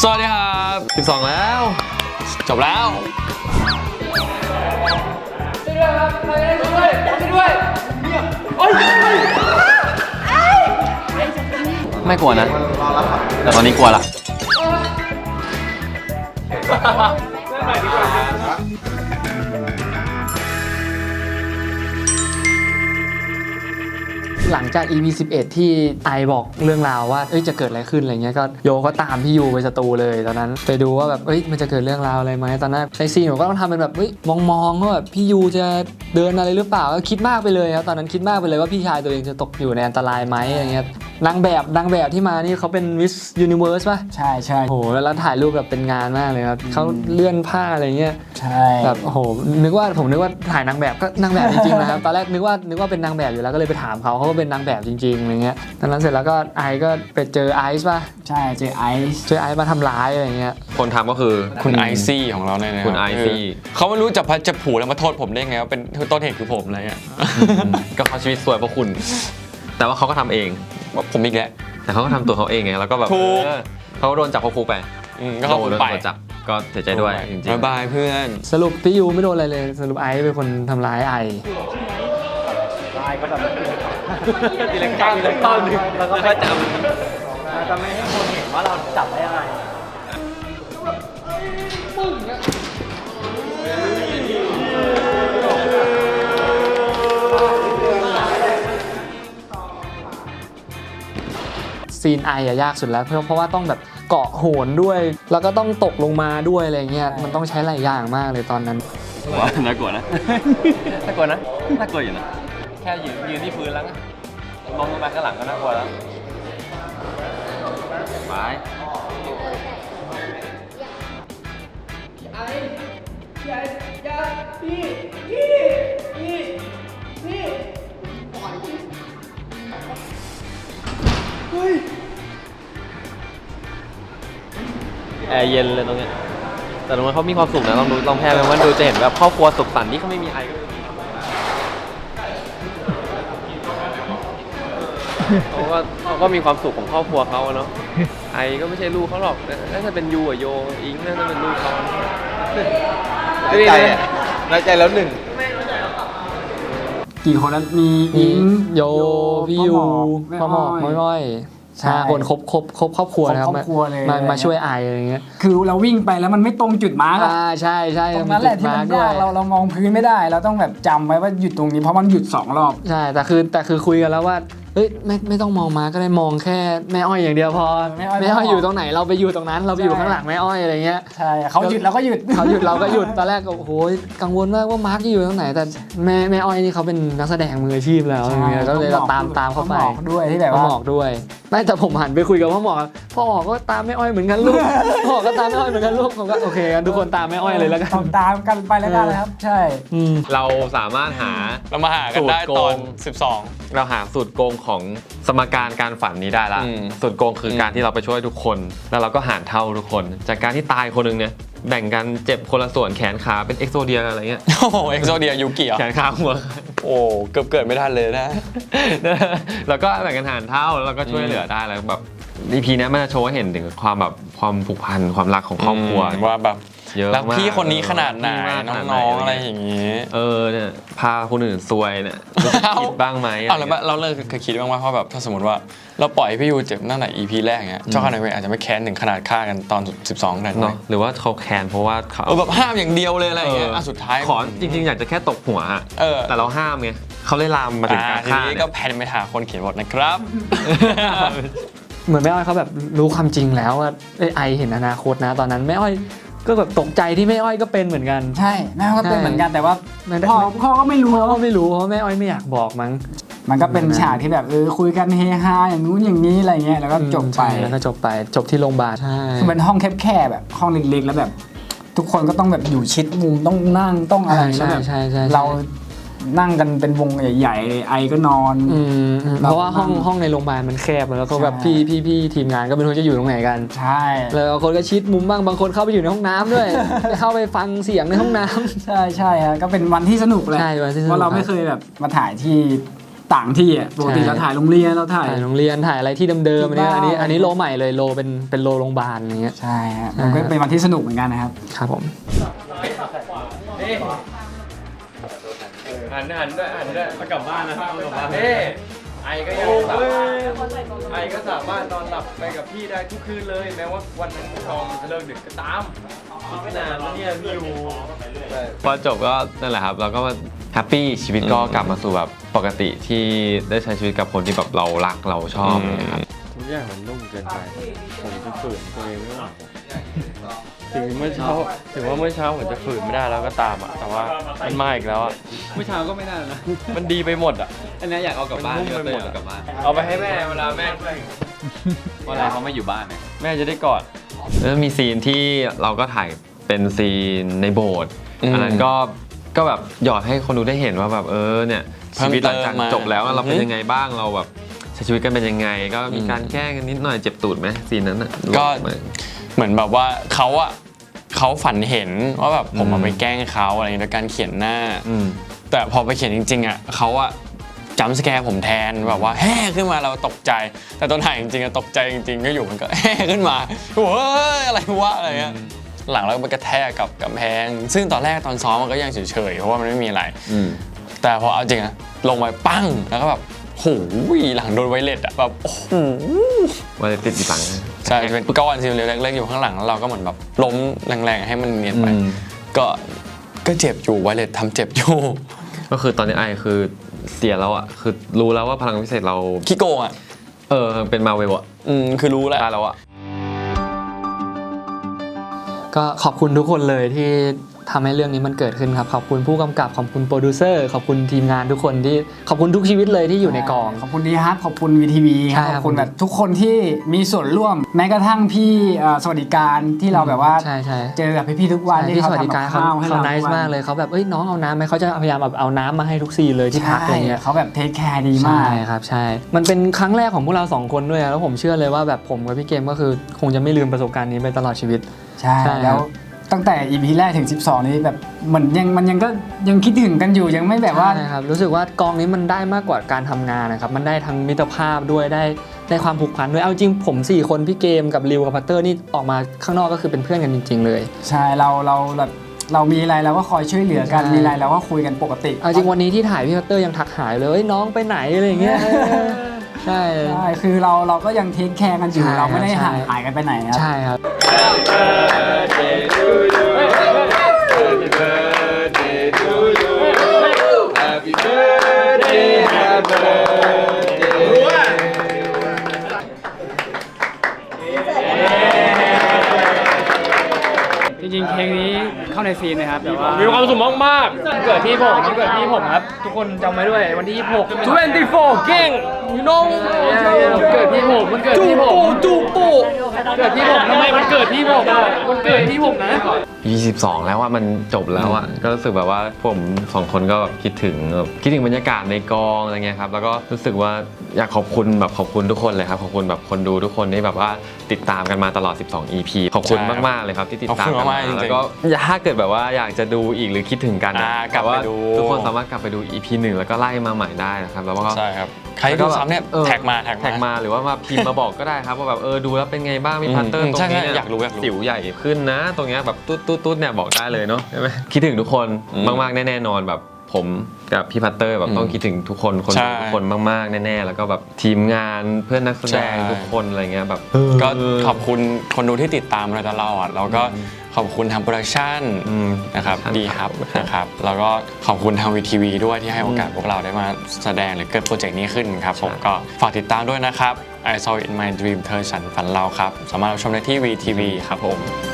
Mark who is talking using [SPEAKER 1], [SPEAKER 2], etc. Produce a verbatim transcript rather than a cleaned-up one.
[SPEAKER 1] สวัสดีครับสิบสองแล้วจบแล้วช่วยด้วยครับใครได้ช่วยด้วยช่วยด้วยไม่กลัวนะแต่ตอนนี้กลัวละ
[SPEAKER 2] หลังจาก อี พี สิบเอ็ดที่ไอบอกเรื่องราวว่าเอ้ยจะเกิดอะไรขึ้นอะไรเงี้ยก็โยก็ตามพี่ยูไปสตูเลยตอนนั้นไปดูว่าแบบเอ้ยมันจะเกิดเรื่องราวอะไรไหมตอนนั้นในซีนผมก็ต้องทำเป็นแบบเฮ้ยมองๆว่าแบบพี่ยูจะเดินอะไรหรือเปล่าก็คิดมากไปเลยครับตอนนั้นคิดมากไปเลยว่าพี่ชายตัวเองจะตกอยู่ในอันตรายไหมอะไรเงี้ยนางแบบนางแบบที่มานี่เขาเป็นมิสยูนิเวิร์สป่ะ
[SPEAKER 3] ใช่ใช่
[SPEAKER 2] โอ้โหแล้วถ่ายรูปแบบเป็นงานมากเลยครับเขาเลื่อนผ้าอะไรเงี้ย
[SPEAKER 3] ใช่
[SPEAKER 2] แบบโอ้โหนึกว่าผมนึกว่าถ่ายนางแบบก็นางแบบจริงๆนะครับตอนแรกนึกว่านึกว่าเป็นนางแบบอยู่แล้วก็เลยไปถามเขาเขาก็เป็นนางแบบจริงๆอะไรเงี้ยตอนนั้นเสร็จแล้วก็ไอก็ไปเจอไอซ์ป่ะ
[SPEAKER 3] ใช่เจอไอซ์
[SPEAKER 2] เจอไอซ์มาทำร้ายอะไรเงี้ย
[SPEAKER 1] คนทำก็คือ
[SPEAKER 4] คุณไอซี่ของเราเนี่ยนะ
[SPEAKER 1] คุณไอซี่
[SPEAKER 4] เขาไม่รู้จะพัดจะผูแล้วมาโทษผมได้ไงว่าเป็นต้นเหตุคือผมอะไรเงี้ย
[SPEAKER 1] ก็เขาชีวิตสวยเพราะคุณแต่ว่าเขาก็ทำเอง
[SPEAKER 4] ผมอีกแล้ว
[SPEAKER 1] แต่เขาก็ทำตัวเขาเองไงแล้วก็แบบเขาโดนจับเข้าคุกไป
[SPEAKER 4] ก็เขาไป
[SPEAKER 1] จับก็เสียใจด้วยจริงๆ
[SPEAKER 4] บ๊ายบายเพื่อน
[SPEAKER 2] สรุปพี่ยูไม่โดนอะไรเลยสรุปไอซ์เป็นคนทำร้ายไอ
[SPEAKER 3] ไอก็แบบ
[SPEAKER 1] ทีละก้าวทีละก้าวหนึ่งแล้วก็จับ
[SPEAKER 3] จะไม่ให้คนเห็นว่าเราจับได้ยังไง
[SPEAKER 2] ซีนไออะยากสุดแล้วเพราะเพราะว่าต้องแบบเกาะโหนด้วยแล้วก็ต้องตกลงมาด้วยอะไรเงี้ยมันต้องใช้หลายอย่างมากเลยตอนนั้น
[SPEAKER 1] น่ากลัวนะน่ากลัวนะน่ากลัวอยู่นะแค่ยืนยืนที่พื้นแล้วมองลงไปข้างหลังก็น่ากลัวแล้วไปไอ้ไอ้ยาพี่พี่พี่พี่ปล่อยเฮ้ยแอร์เย็นเลยตรงเนี้ยแต่ตรงนั้นเขามีความสุขนะลองดูลองแพร่ไปว่าดูจะเห็นแบบครอบครัวสุขสันต์ที่เขาไม่มีไอเขาก็เขาก็มีความสุขของครอบครัวเขาเนาะไอก็ไม่ใช่ลูกเขาหรอกน่าจะเป็นยูอะโยอิงน่าจะเป็นลูกเขา
[SPEAKER 4] น้อยใจน้อยใจแล้วหนึ่ง
[SPEAKER 3] กี่คนนั้นมีอิง
[SPEAKER 2] โยพี่ยูพ่อหมอกม้อยห้าคนครบครบครบครอบครัวนะครับมามาช่วยไออะไรเงี้ย
[SPEAKER 3] คือเราวิ่งไปแล้วมันไม่ตรงจุดมาร์กอ่
[SPEAKER 2] าใช่ใช่
[SPEAKER 3] ตรงนั้นแหละที่มันยากเราเรามองพื้นไม่ได้เราต้องแบบจำไว้ว่าหยุดตรงนี้เพราะมันหยุดสองรอบ
[SPEAKER 2] ใช่แต่คือแต่คือคุยกันแล้วว่าเฮ้ยไม่ไม่ต้องมองมาก็ได้มองแค่แม่อ้อยอย่างเดียวพอแม่อ้อยอยู่ตรงไหนเราไปอยู่ตรงนั้นเราไปอยู่ข้างหลังแม่อ้อยอะไรเงี้ย
[SPEAKER 3] ใช่เขาหยุดเราก็หยุด
[SPEAKER 2] เขาหยุดเราก็หยุดตอนแรกก็โอ้โหกังวลมากว่ามาร์กจะอยู่ตรงไหนแต่แม่แม่อ้อยนี่เขาเป็นนักแสดงมืออาชีพแล้วก็เลยตามตามเขาไป
[SPEAKER 3] ด้วยที่แบบ
[SPEAKER 2] ว่าหมอกด้วยไม่แต่ผมหันไปคุยกับพ่อหมอพ่อหมอก็ตามแม่อ้อยเหมือนกันลูกพ่อก็ตามแม่อ้อยเหมือนกันลูกผมก็โอเคกันทุกคนตามแม่อ้อยเลยแล้วกัน
[SPEAKER 3] ตามกันไปแล้วกันนะครับใช่
[SPEAKER 1] เราสามารถหา
[SPEAKER 4] เรามาหากันได้ตอนสิบสอง
[SPEAKER 1] เราหาสูตรโกงของสมการการฝันนี้ได้ละสูตรโกงคือการที่เราไปช่วยทุกคนแล้วเราก็หารเท่าทุกคนจากการที่ตายคนนึงเนี่ยแบ่งกันเจ็บคนละส่วนแขนขาเป็นเอ็กโซเดียอะไรเงี้ย
[SPEAKER 4] โอ้โหเอ็กโซเดียยูกิ
[SPEAKER 1] แขนขาหัว
[SPEAKER 4] โอ้เกือบเกิดไม่ทันเลยนะ
[SPEAKER 1] แล้วก็แบ่งกันหารเท่าแล้วก็ช่วยเหลือได้แล้วแบบ อี พี นี้มันจะโชว์ให้เห็นถึงความแบบความผูกพันความรักของครอบครัว
[SPEAKER 4] ว่าแบบรักพี่คนนี้ขนาดไหนน้องๆอะไรอย่างนี้
[SPEAKER 1] เออเนี่ยพาคนอื่นซวยเนี่ยคิดบ้างไหม
[SPEAKER 4] เอาแล้วเราเลิกเคยคิดบ้างว่าเพราะแบบถ้าสมมติว่าเราปล่อยพี่ยูเจ็บตั้งแต่ อี พี แรกเงี้ยเจ้าข้าในเวรอาจจะไม่แค้นถึงขนาดฆ่ากันตอนสิบสองขนาดนั้น
[SPEAKER 1] หรือว่าเขาแค้นเพราะว่าเขา
[SPEAKER 4] แบบห้ามอย่างเดียวเลยอะไรเงี้ยสุดท้าย
[SPEAKER 1] ขอจริงๆอยากจะแค่ตกหัวแต่เราห้ามไงเขาเลยลามมาถึงการฆ่า
[SPEAKER 4] ทีนี้ก็แพนไปหาคนเขียนบทนะครับ
[SPEAKER 2] เหมือนแม่อ้อยเขาแบบรู้ความจริงแล้วว่าไอเห็นอนาคตนะตอนนั้นแม่อ้อยก็แบบตกใจที่แม่อ้อยก็เป็นเหมือนกัน
[SPEAKER 3] ใช่แม่อ้อยก็เป็นเหมือนกันแต่ว่าพ่อพ่อก็ไม่รู้
[SPEAKER 2] พ่อก็ไม่รู้เพราะแม่อ้อยไม่อยากบอกมั้ง
[SPEAKER 3] มันก็เป็นฉากที่แบบเออคุยกันเฮฮาอย่างนู้นอย่างนี้อะไรเงี้ยแล้วก็จบไป
[SPEAKER 2] แล้วก็จบไปจบที่โรงพยาบาลใช่
[SPEAKER 3] คือเป็นห้องแคบๆแบบห้องเล็กๆแล้วแบบทุกคนก็ต้องแบบอยู่ชิดมุมต้องนั่งต้องอะไรแล้วแบบเรานั่งกันเป็นวงใหญ่ๆไอก็นอน
[SPEAKER 2] เพราะว่าห้องห้องในโรงพยาบาลมันแคบแล้วก็แบบพี่พี่พี่ทีมงานก็ไม่รู้จะอยู่ตรงไหนกัน
[SPEAKER 3] ใช่
[SPEAKER 2] แล้วบางคนก็ชิดมุมบ้างบางคนเข้าไปอยู่ในห้องน้ำด้วยเข้าไปฟังเสียงในห้องน้ำ
[SPEAKER 3] ใช่ใช่ฮะก็เป็นวันที่สนุกเลยเพราะเราไม่เคยแบบมาถ่ายที่ต่างที่อ่ะปกติเราถ่ายโรงเรียนเราถ่าย
[SPEAKER 2] ถ่ายโรงเรียนถ่ายอะไรที่เดิมๆอันนี้อันนี้อันนี้โลใหม่เลยโลเป็นเป็นโลโรงพยาบาลอย่างเงี้ย
[SPEAKER 3] ใช่ฮะมันก็เป็นวันที่สนุกเหมือนกันนะครับ
[SPEAKER 2] ครับผม
[SPEAKER 1] หันหันด้วยหันด้วยมากลับบ้านนะกลับบ้านเฮ้ไอก็ยังสามารถไอก็สามารถนอนหลับไปกับพี่ได้ทุกคืนเลยแม้ว่าวันนั้นทองจะเลิกดึกก็ตามไม่นานแล้วเนี่ยพี่อยู่พอจบก็นั่นแหละครับเราก็แฮปปี้ชีวิตก็กลับมาสู่แบบปกติที่ได้ใช้ชีวิตกับคนที่แบบเรารักเราชอบนะครับ
[SPEAKER 5] ทุกอย่างมันนุ่มเกินไปผมจะฝืนตัวเองไม่ไหวถึงเมื่อเช้าถึงว่าเมื่อเช้าผมจะฝืนไม่ได้แล้วก็ตามอ่ะแต่ว่ามันมาอีกแล้วอ่ะ
[SPEAKER 1] เมื่อเช้าก็ไม่ได้นะ
[SPEAKER 5] มันดีไปหมดอ่ะ
[SPEAKER 1] อันนี้อยากเอากลับบ้าน
[SPEAKER 5] มันนุ่มไปหมด
[SPEAKER 1] เอากลับบ้านเอาไปให้แม่เวลาแม่เวลาเขาไม่อยู่บ้านเนี่ย
[SPEAKER 5] แม่จะได้กอด
[SPEAKER 1] แล้วมีซีนที่เราก็ถ่ายเป็นซีนในโบสถ์อันนั้นก็ก็แบบหยอดให้คนดูได้เห็นว่าแบบเออเนี่ยชีวิตหลังจากจบแล้วเราเป็นยังไงบ้างเราแบบใช้ชีวิตกันเป็นยังไง ก็มีการแกล้งกันนิดหน่อยเจ็บตูดไหมซีนนั้นอ่ะ
[SPEAKER 4] ก็เหมือนแบบว่าเขาอะเขาฝันเห็นว่าแบบผมมาไปแกล้งเขาอะไรอย่างเงี้ยโดยการเขียนหน้า
[SPEAKER 1] อืม
[SPEAKER 4] แต่พอไปเขียนจริงๆอะเขาอะจัมป์สแกร์ผมแทนแบบว่าแฮ่ขึ้นมาเราตกใจ แต่ตอนถ่ายจริงๆอะตกใจจริงๆก็อยู่มันก็แฮ่ขึ้นมาโอ้ยอะไรวะอะไรเงี้ยหลังแล้วมันกระแทกกับกำแพง ซึ่งตอนแรกตอนซ้อมมันก็ยังเฉยๆเพราะว่ามันไม่มีอะไร
[SPEAKER 1] อืม
[SPEAKER 4] แต่พอเอาจริงอะลงไปปั้งแล้วก็แบบโหหลังโดนไวเลสอะแบบโอ้โห
[SPEAKER 1] ว่าจะติดอีกหลัง
[SPEAKER 4] ใช่จะเป็นก้อนสีเหลืองเล็กๆอยู่ข้างหลังแล้วเราก็เหมือนแบบล้มแรงๆให้มันเนียนไป
[SPEAKER 1] อืม
[SPEAKER 4] ก็ก็เจ็บอยู่ไวเลสทำเจ็บอยู่
[SPEAKER 1] ก็คือตอนนี้ไอคือเสียแล้วอ่ะคือรู้แล้วว่าพลังพิเศษเรา
[SPEAKER 4] ขี้โกงอะ
[SPEAKER 1] เออเป็นมาเวลอ่ะ
[SPEAKER 4] อืมคือรู้แล้ว
[SPEAKER 1] ได้แล้วอ่ะ
[SPEAKER 2] ก็ขอบคุณทุกคนเลยที่ทำให้เรื่องนี้มันเกิดขึ้นครับขอบคุณผู้กำกับขอบคุณโปรดิวเซอร์ขอบคุณทีมงานทุกคนที่ขอบคุณทุกชีวิตเลยที่อยู่ในกอง
[SPEAKER 3] ขอบคุณดีฮัทขอบคุณวีทีวี
[SPEAKER 2] ใช่
[SPEAKER 3] ข
[SPEAKER 2] ครั
[SPEAKER 3] อ
[SPEAKER 2] บบ
[SPEAKER 3] คุณแบบทุกคนที่มีส่วนร่วม แม้กระทั่งพี่เอ่อสวัสดิการที่เราแบบว่า
[SPEAKER 2] ใช่ใช่
[SPEAKER 3] เจอกับพี่ๆทุกวันที่
[SPEAKER 2] ที่ส
[SPEAKER 3] เขา
[SPEAKER 2] วัสดิ
[SPEAKER 3] ทำ
[SPEAKER 2] การ
[SPEAKER 3] กับ
[SPEAKER 2] เขา
[SPEAKER 3] ข้าวให้
[SPEAKER 2] เขา
[SPEAKER 3] เรา
[SPEAKER 2] ไน
[SPEAKER 3] ทุก
[SPEAKER 2] ส์
[SPEAKER 3] วัน
[SPEAKER 2] มากเลยเขาแบบเอ้ยน้องเอาน้ำไหมเขาจะพยายามแบบเอาน้ำมาให้ทุกซีนเลยที่พักอะไรเงี้ย
[SPEAKER 3] เขาแบบเทคแคร์ดีมา
[SPEAKER 2] ใช่
[SPEAKER 3] ก
[SPEAKER 2] ครับใช่ มันเป็นครั้งแรกของพวกเราสองคนด้วยอะแล้วผมเชื่อเลยว่าแบบผมกับพี่เกมก็คือคงจะไม่ลืมประสบการณ์นี้ไปตลอดชีวิต
[SPEAKER 3] ใช่
[SPEAKER 2] ใช่ครับ
[SPEAKER 3] แล้วตั้งแต่ อี พี แรกถึงสิบสองนี้แบบเหมือนยังมันยังก็ยังคิดถึงกันอยู่ยังไม่แบบว่า
[SPEAKER 2] ใช่ครับรู้สึกว่ากองนี้มันได้มากกว่าการทำงานนะครับมันได้ทั้งมิตรภาพด้วยได้ได้ความผูกพันด้วยเอาจริงผมสี่คนพี่เกมกับริวกับพัตเตอร์นี่ออกมาข้างนอกก็คือเป็นเพื่อนกันจริง ๆ เลย
[SPEAKER 3] ใช่เราเราแบบเรามีอะไรเราก็คอยช่วยเหลือกัน
[SPEAKER 2] ใช่
[SPEAKER 3] มีอะไรเราก็คุยกันปกติ
[SPEAKER 2] เอาจริงวันนี้ที่ถ่ายพี่พัตเตอร์ยังทักหายเลยเอ้ยน้องไปไหนอะไรอย่างเงี้ยใช่
[SPEAKER 3] ใช่คือเราเราก็ยังเทคแคร์กันอยู่
[SPEAKER 2] ใช่
[SPEAKER 3] เราไม่ได้
[SPEAKER 2] ใช่
[SPEAKER 3] ห่างหายกันไปไหนครับ
[SPEAKER 2] ใช่ครับ
[SPEAKER 6] จริงๆเพลงนี้เข้าในซีนนะครับแต่ว่ามีความสุขมากๆวันเกิดพี่ผมวันเกิดพี่ผมครับ ทุกคนจำไว้ด้วยวันที่ยี่สิบหก ยี่สิบสี่เก่ง you know วันเกิดพี่ผมวันเกิดพี่ผมจูปูเกิดพี่ผมทำไมวันเกิดพี่ผมอะวันเกิดพี่ผมนะ
[SPEAKER 1] ยี่สิบสองแล้วว่ามันจบแล้วอ่ะก็รู้สึกแบบว่าผมสองคนก็แบบคิดถึงแบบคิดถึงบรรยากาศในกองอะไรเงี้ยครับแล้วก็รู้สึกว่าอยากขอบคุณแบบขอบคุณทุกคนเลยครับขอบคุณแบบคนดูทุกคนที่แบบว่าติดตามกันมาตลอดสิบสอง อี พี ขอบคุณมากๆเลยครับที่ติดตามกันมาแล้วก็ถ้าเกิดแบบว่าอยากจะดูอีกหรือคิดถึงกัน
[SPEAKER 4] อ่ากลับไปดู
[SPEAKER 1] ทุกคนสามารถกลับไปดู อี พี หนึ่งแล้วก็ไล่มาใหม่ได้นะครับแล้วก็
[SPEAKER 4] ใช่ครับใครดูซ้ำเนี่ย
[SPEAKER 1] ออ
[SPEAKER 4] แท็กมาแท็ก
[SPEAKER 1] แท็ก
[SPEAKER 4] มา
[SPEAKER 1] มาหรือว่ามาพิมพ์มาบอกก็ได้ครับว่าแบบเออดูแล้วเป็นไงบ้างมี
[SPEAKER 4] อืม
[SPEAKER 1] พัตเตอร์
[SPEAKER 4] อืม
[SPEAKER 1] ตรง
[SPEAKER 4] ใช่
[SPEAKER 1] นี้
[SPEAKER 4] ใช่
[SPEAKER 1] เนี่ย
[SPEAKER 4] อยากรู้อยากรู้
[SPEAKER 1] สิวใหญ่ขึ้นนะ ตรงเนี้ยแบบตุ๊ดตุ๊ดตุ๊ดเนี่ยบอกได้เลยเนาะใช่ไหมคิดถึงทุกคน
[SPEAKER 4] อืม
[SPEAKER 1] มากๆแน่ๆนอนแบบผมกับพี่พัตเตอร์แบบต้องคิดถึงทุกคนคน
[SPEAKER 4] ใช่
[SPEAKER 1] ดูทุกคนมากๆแน่ๆแล้วก็แบบทีมงานเพื่อนนักแสดง
[SPEAKER 4] ใช่
[SPEAKER 1] ทุกคนอะไรเงี้ยแบบ
[SPEAKER 4] ก็ขอบคุณคนดูที่ติดตามเราตลอดแล้วก็ขอบคุณทางโปรดักชั่น
[SPEAKER 1] อืม
[SPEAKER 4] นะครับ
[SPEAKER 1] ครับ
[SPEAKER 4] ดีครับนะครับแล้วก็ขอบคุณทางวีทีวีด้วยที่ให้โอกาสพวกเราได้มาแสดงหรือเกิดโปรเจกต์นี้ขึ้นครับผมก็ฝากติดตามด้วยนะครับ I saw it in my dream เธอฉันฝันเราครับ สามารถรับชมได้ที่ วี ที วี ครับผม